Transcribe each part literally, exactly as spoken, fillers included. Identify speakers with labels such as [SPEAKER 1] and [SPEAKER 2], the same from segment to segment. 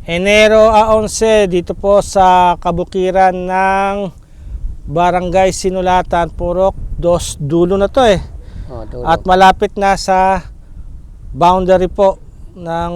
[SPEAKER 1] Enero eleven dito po sa kabukiran ng Barangay Sinulatan, Purok Dos, dulo na to eh.
[SPEAKER 2] Oh, dulo.
[SPEAKER 1] At malapit na sa boundary po ng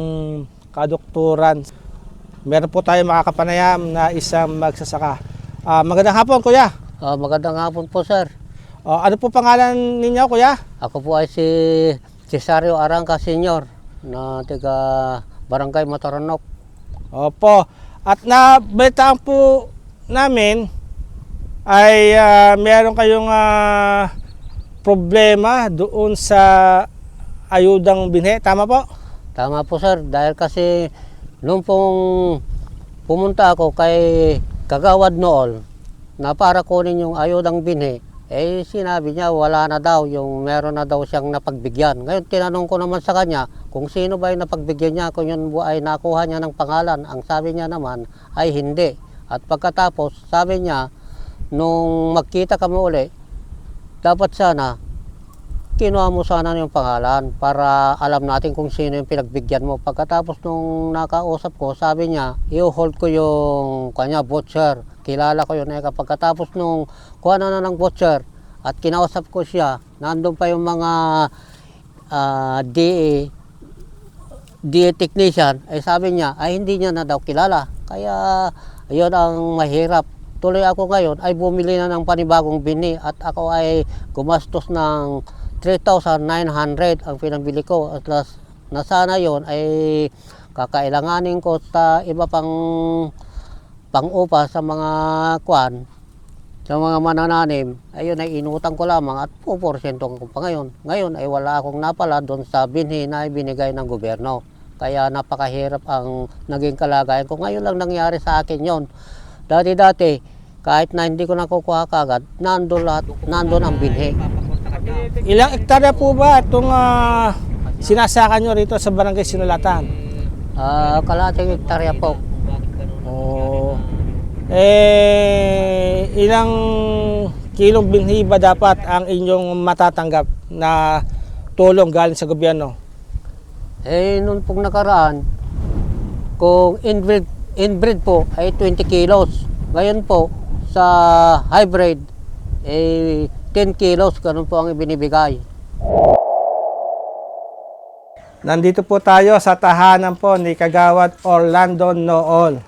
[SPEAKER 1] kadukturan. Meron po tayo makakapanayam na isang magsasaka. Uh, magandang hapon, kuya.
[SPEAKER 2] Ah, magandang hapon po, sir.
[SPEAKER 1] Uh, ano po pangalan ninyo, kuya?
[SPEAKER 2] Ako po ay si Cesario Arangka Senior na taga Barangay Mataranok.
[SPEAKER 1] Opo. At nabalitaan po namin ay uh, meron kayong uh, problema doon sa ayudang binhi. Tama po?
[SPEAKER 2] Tama po, sir. Dahil kasi noong pong pumunta ako kay Kagawad Nool na para kunin yung ayudang binhi, eh sinabi niya wala na daw, yung meron na daw siyang napagbigyan. Ngayon tinanong ko naman sa kanya kung sino ba yung napagbigyan niya, kung yun ay nakuha niya ng pangalan. Ang sabi niya naman ay hindi. At pagkatapos sabi niya, nung magkita kami uli, dapat sana kinuha mo sana yung pangalan para alam natin kung sino yung pinagbigyan mo. Pagkatapos nung nakausap ko, sabi niya, i-hold ko yung kanya voucher. Kilala ko yun. Eh, pagkatapos nung kuha na na ng voucher at kinausap ko siya, nandun pa yung mga uh, D A, D A technician, ay sabi niya, ay hindi niya na daw kilala. Kaya yun ang mahirap. Tuloy ako ngayon ay bumili na ng panibagong bini at ako ay gumastos ng three thousand nine hundred ang pinabili ko. At last, na sana yon ay kakailanganin ko sa iba pang pang-upa sa mga kwan, sa mga manananim. Ayun ay inutang ko lamang at two percent ko pa ngayon. Ngayon ay wala akong napala doon sa binhi na ibinigay ng gobyerno. Kaya napakahirap ang naging kalagayan ko. Ngayon lang nangyari sa akin yon. Dati-dati, kahit na hindi ko nakukuha kagad, nandun lahat, nandun ang binhi.
[SPEAKER 1] Ilang ektarya po ba itong uh, sinasaka nyo rito sa Barangay Sinulatan?
[SPEAKER 2] Uh, kalating hektarya po.
[SPEAKER 1] Oh. Eh, ilang kilong binhi ba dapat ang inyong matatanggap na tulong galing sa gobyerno?
[SPEAKER 2] Eh, noon pong nakaraan, kung inbreed, inbreed po ay twenty kilos. Ngayon po, sa hybrid, eh, ten kilos, ganun po ang ibinibigay.
[SPEAKER 1] Nandito po tayo sa tahanan po ni Kagawad Orlando Nool.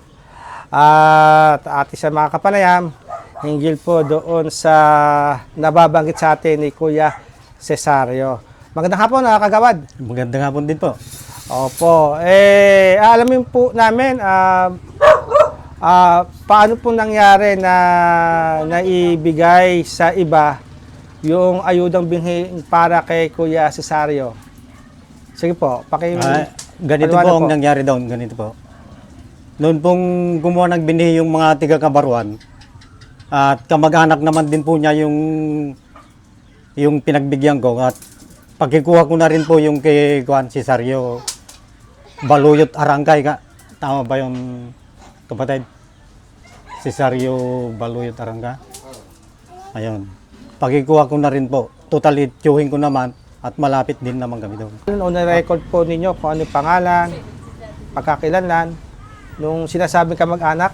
[SPEAKER 1] At ating sa mga kapanayam, hinggil po doon sa nababanggit sa atin ni Kuya Cesario. Magandang hapon, uh, Kagawad.
[SPEAKER 3] Magandang hapon din po.
[SPEAKER 1] Opo. Eh, alamin po namin, uh, uh, paano po nangyari na naibigay sa iba yung ayudang binhi para kay Kuya Cesario? Sige po, paki...
[SPEAKER 3] Ah, ganito po ang po nangyari doon, ganito po. Noon pong gumawa ng binhi yung mga tiga-Kabaruan, at kamag-anak naman din po niya yung yung pinagbigyan ko, at pagkikuha ko na rin po yung kay Juan Cesario Baluyot Arangkay ka. Tama ba yung kapatid? Cesario Baluyot Arangka? Ayun. Pagkikuha ko na rin po. Totally tiyuhin ko naman at malapit din naman kami doon.
[SPEAKER 1] Noong na-record po ninyo kung ano yung pangalan, pagkakilanlan, nung sinasabing kamag-anak?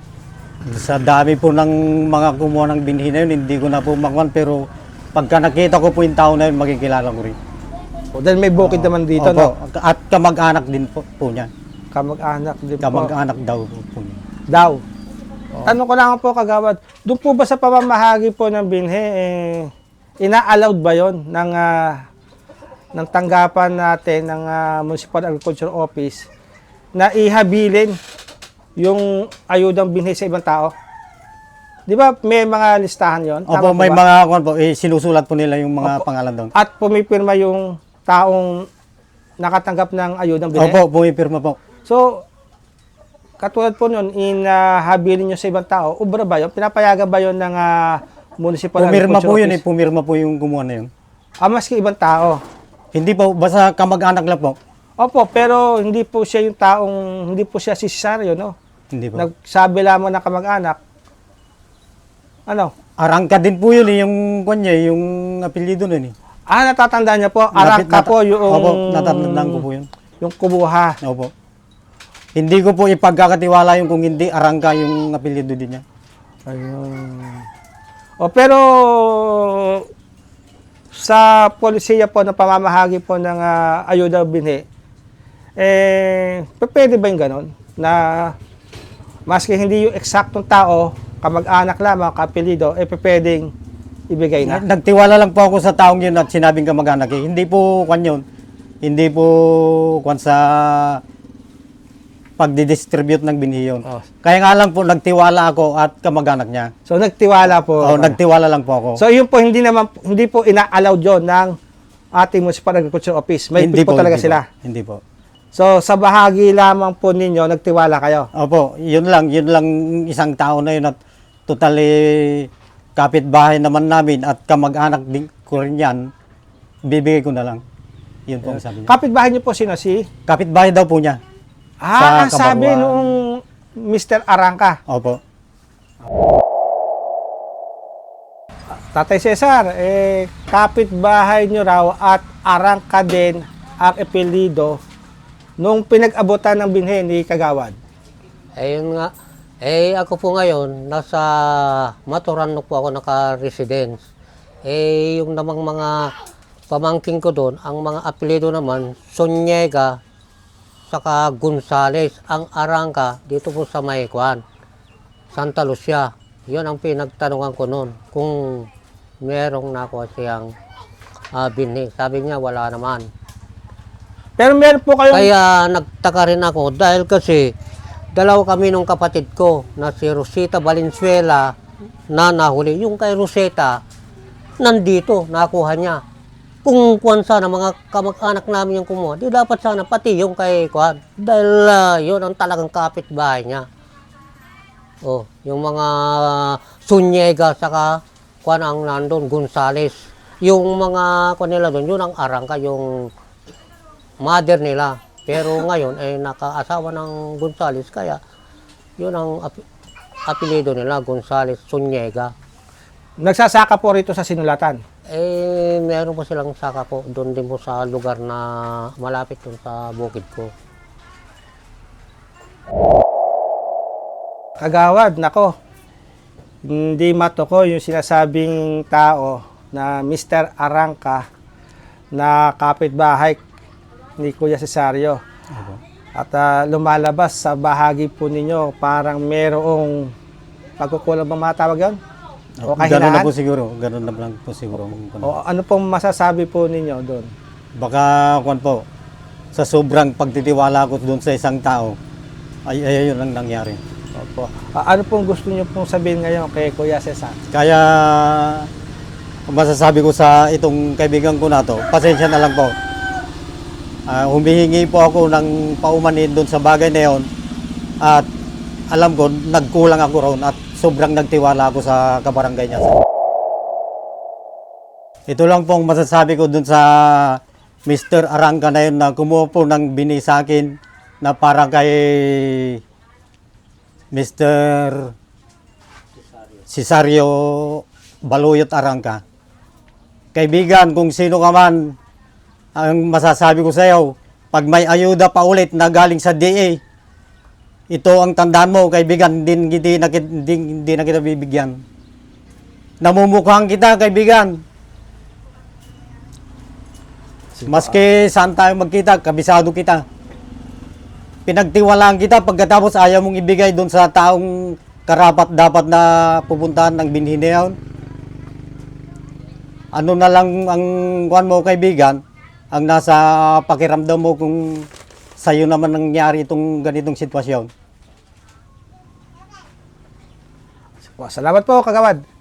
[SPEAKER 3] Sa dami po ng mga kumuha ng binhi na yun, hindi ko na po makuhan, pero pagka nakita ko po yung tao na yun, makikilala ko rin.
[SPEAKER 1] O, dahil may bukid naman dito,
[SPEAKER 3] Opo.
[SPEAKER 1] no?
[SPEAKER 3] At kamag-anak din po, po niya.
[SPEAKER 1] Kamag-anak din po.
[SPEAKER 3] Kamag-anak daw po, po niya.
[SPEAKER 1] Daw. Oh. Tanong ko lang po, Kagawad, doon po ba sa pamamahagi po ng binhi, eh, ina-allowed ba yon ng, uh, ng tanggapan natin ng uh, Municipal Agriculture Office na ihabilin yung ayudang binhi sa ibang tao? Di ba may mga listahan yon?
[SPEAKER 3] Opo, may ba? mga kung po, eh, sinusulat po nila yung mga Opo. pangalan doon.
[SPEAKER 1] At pumipirma yung taong nakatanggap ng ayudang binhi?
[SPEAKER 3] Opo, pumipirma po.
[SPEAKER 1] So, katulad po nun, inahabilin nyo sa ibang tao, ubra ba yun? Pinapayagan ba yun ng uh, Municipal
[SPEAKER 3] Pumirma
[SPEAKER 1] Agriculture
[SPEAKER 3] po yun
[SPEAKER 1] Office?
[SPEAKER 3] eh, pumirma po yung kumuha na yun.
[SPEAKER 1] Ah, maski ibang tao?
[SPEAKER 3] Hindi po, basta kamag-anak lang po.
[SPEAKER 1] Opo, pero hindi po siya yung taong, hindi po siya si Cesario, no?
[SPEAKER 3] Hindi po.
[SPEAKER 1] Nagsabi lamang na kamag-anak. Ano?
[SPEAKER 3] Arangka din po yun eh, yung kanya, yung apelyido nun eh.
[SPEAKER 1] Ah, natatandaan niya po. Arangka
[SPEAKER 3] Nat-
[SPEAKER 1] po yung...
[SPEAKER 3] Opo, natatandaan ko po yun.
[SPEAKER 1] Yung kubuha.
[SPEAKER 3] Opo. hindi ko po ipagkakatiwala yung kung hindi Arangka yung apelyido din niya.
[SPEAKER 1] Ayun. O pero sa polisiya po na pamamahagi po ng ah, ayuda binhi, eh, p- pwede ba yung ganon? Na maski hindi yung eksaktong tao, kamag-anak lamang, kapilido, eh p- pwedeng ibigay na.
[SPEAKER 3] Nagtiwala lang po ako sa taong yun at sinabing kamag-anak eh. Hindi po kwan yun. Hindi po kwan sa pagdidistribute ng binhi yun.
[SPEAKER 1] Oh.
[SPEAKER 3] Kaya nga lang po nagtiwala ako at kamag-anak niya.
[SPEAKER 1] So nagtiwala po.
[SPEAKER 3] Oo, nagtiwala lang po ako.
[SPEAKER 1] So yun po hindi naman hindi po ina-allowed yon ng ating Municipal Agriculture Office. May
[SPEAKER 3] hindi
[SPEAKER 1] po, talaga
[SPEAKER 3] hindi
[SPEAKER 1] sila.
[SPEAKER 3] Po, hindi po.
[SPEAKER 1] So sa bahagi lamang po ninyo nagtiwala kayo.
[SPEAKER 3] Opo, yun lang, yun lang isang tao na yun at totally kapitbahay naman namin at kamag-anak din ko rin yan, bibigay ko na lang. Yun po ang sabi niya.
[SPEAKER 1] Kapitbahay niyo po sino si?
[SPEAKER 3] Kapitbahay daw po niya.
[SPEAKER 1] Ah, ang
[SPEAKER 3] Sa
[SPEAKER 1] sabi
[SPEAKER 3] Kabaruan.
[SPEAKER 1] nung mister Arangka.
[SPEAKER 3] Opo.
[SPEAKER 1] Tatay Cesar, eh, kapitbahay nyo raw at Arangka din ang apelyido nung pinag-abutan ng binhe ni Kagawad.
[SPEAKER 2] Ayun nga. Eh, ako po ngayon, nasa Maturanok po ako naka-residence. Eh, yung namang mga pamangking ko doon, ang mga apelyido naman, Sonyega, saka Gonzales, ang Arangka, dito po sa Maykuan, Santa Lucia. Yun ang pinagtanungan ko noon, kung merong nakuha siyang ah, binhi. Sabi niya, wala naman.
[SPEAKER 1] Pero meron po kayong...
[SPEAKER 2] Kaya nagtaka rin ako dahil kasi dalawa kami nung kapatid ko na si Rosita Valenzuela na nahuli. Yung kay Rosita, nandito, nakuha niya. Kung kuwan sana mga kamag-anak namin yung kumuha, di dapat sana pati yung kay kuwan. Dahil uh, yun ang talagang kapitbahay niya. Oh, yung mga Sunyega saka kuwan ang nandun, Gonzales. Yung mga kuwan nila doon, yun ang Arangka, yung mother nila. Pero ngayon ay nakaasawa ng Gonzales kaya yun ang ap- apelyido nila, Gonzales Sunyega.
[SPEAKER 1] Nagsasaka po rito sa sinulatan.
[SPEAKER 2] Eh, meron po silang saka po doon din po sa lugar na malapit doon sa bukid ko.
[SPEAKER 1] Kagawad, nako. Hindi matoko yung sinasabing tao na mister Arangka na kapitbahay ni Kuya Cesario. At ah, lumalabas sa bahagi po ninyo parang merong pagkukulang bang matawag yun? O
[SPEAKER 3] Ganun na
[SPEAKER 1] kahinaan?
[SPEAKER 3] po siguro. Ganun na lang po siguro.
[SPEAKER 1] O ano pong masasabi po ninyo doon?
[SPEAKER 3] Baka, kwan po, sa sobrang pagtitiwala ko doon sa isang tao, ay, ay yun ang nangyari.
[SPEAKER 1] Opo. Ah, ano pong gusto niyo pong sabihin ngayon kay Kuya Cesar?
[SPEAKER 3] Kaya, ang masasabi ko sa itong kaibigan ko na to, pasensya na lang po. Ah, humihingi po ako ng paumanhin doon sa bagay na yun. At alam ko, nagkulang ako roon at sobrang nagtiwala ako sa kabarangay niya. Ito lang pong masasabi ko doon sa mister Arangka na yun na kumuha po ng bini sa akin na para kay mister Cesario Baluyot Arangka. Kaibigan, kung sino ka man, ang masasabi ko sa iyo, pag may ayuda pa ulit na galing sa D A, ito ang tandaan mo, kaibigan, hindi, hindi, na, hindi, hindi na kita bibigyan. Namumukhaan kita, kaibigan. Maski saan tayo magkita, kabisado kita. Pinagtiwalaan kita, pagkatapos ayaw mong ibigay doon sa taong karapat dapat na pupuntahan ng binhi na yun. Ano na lang ang kuwan mo, kaibigan, ang nasa pakiramdam mo kung sa'yo naman nangyari itong ganitong sitwasyon.
[SPEAKER 1] Salamat po, Kagawad.